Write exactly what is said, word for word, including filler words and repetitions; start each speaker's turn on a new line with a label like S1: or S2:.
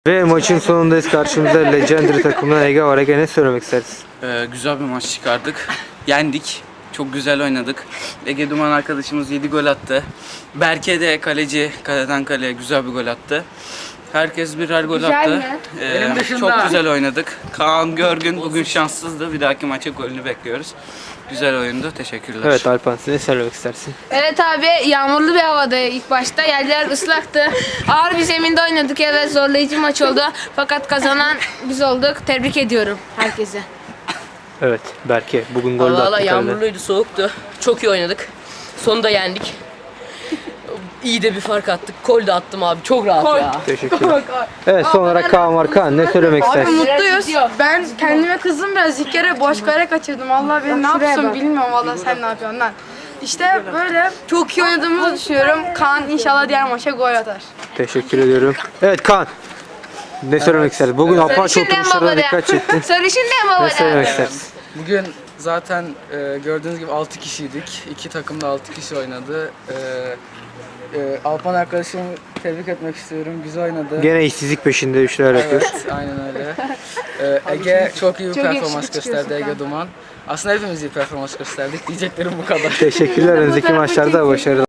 S1: Ve maçın sonundayız. Karşımızda Legendary takımından Ege var. Ege, ne söylemek istersin?
S2: Ee, güzel bir maç çıkardık. Yendik. Çok güzel oynadık. Ege Duman arkadaşımız yedi gol attı. Berke de kaleci, kaleden kaleye güzel bir gol attı. Herkes birer gol
S3: Güzel
S2: attı.
S3: mi?
S2: Ee,
S4: Benim dışında.
S2: Çok güzel oynadık. Kaan Görgün bugün şanssızdı. Bir dahaki maça golünü bekliyoruz. Güzel oyundu. Teşekkürler.
S1: Evet Alpan, sen ne söylemek istersin?
S3: Evet abi, yağmurlu bir havada ilk başta. Yerler ıslaktı. Ağır bir zeminde oynadık. Evet, zorlayıcı maç oldu. Fakat kazanan biz olduk. Tebrik ediyorum herkese.
S1: Evet Berke, bugün gol de
S4: Allah
S1: attı
S4: Allah,
S1: kaleden.
S4: yağmurluydu, soğuktu. Çok iyi oynadık. Sonunda yendik. İyi de bir fark attık. Gol de attım abi. Çok rahat ya.
S1: Teşekkürler. Evet, son olarak Kaan var. Kaan, ne söylemek
S5: Abi
S1: istersin?
S5: mutluyuz. Ben kendime kızdım biraz. İlk kere boş kare kaçırdım. Allah ben ne yapsın bilmiyorum. Valla sen ne yapıyorsun lan. İşte böyle çok iyi oynadığımızı düşünüyorum. Kaan inşallah diğer maça gol atar.
S1: Teşekkür ediyorum. Evet Kaan, ne söylemek istersin? Bugün Apache oturuşlarına dikkat çektin.
S3: Sarışın ne baba?
S1: Ne söylemek istersin?
S6: Bugün zaten e, gördüğünüz gibi altı kişiydik. İki takım da altı kişi oynadı. E, e, Alpan arkadaşımı tebrik etmek istiyorum. Güzel oynadı.
S1: Gene işsizlik peşinde bir şeyler yapıyor.
S6: Evet, aynen öyle. E, Ege çok iyi bir
S5: Çok
S6: performans
S5: yakışıklı
S6: gösterdi,
S5: çıkıyorsun
S6: Ege Duman. Aslında hepimiz iyi performans gösterdik. Diyeceklerim bu kadar.
S1: Teşekkürler. Önümüzdeki maçlarda başarılar.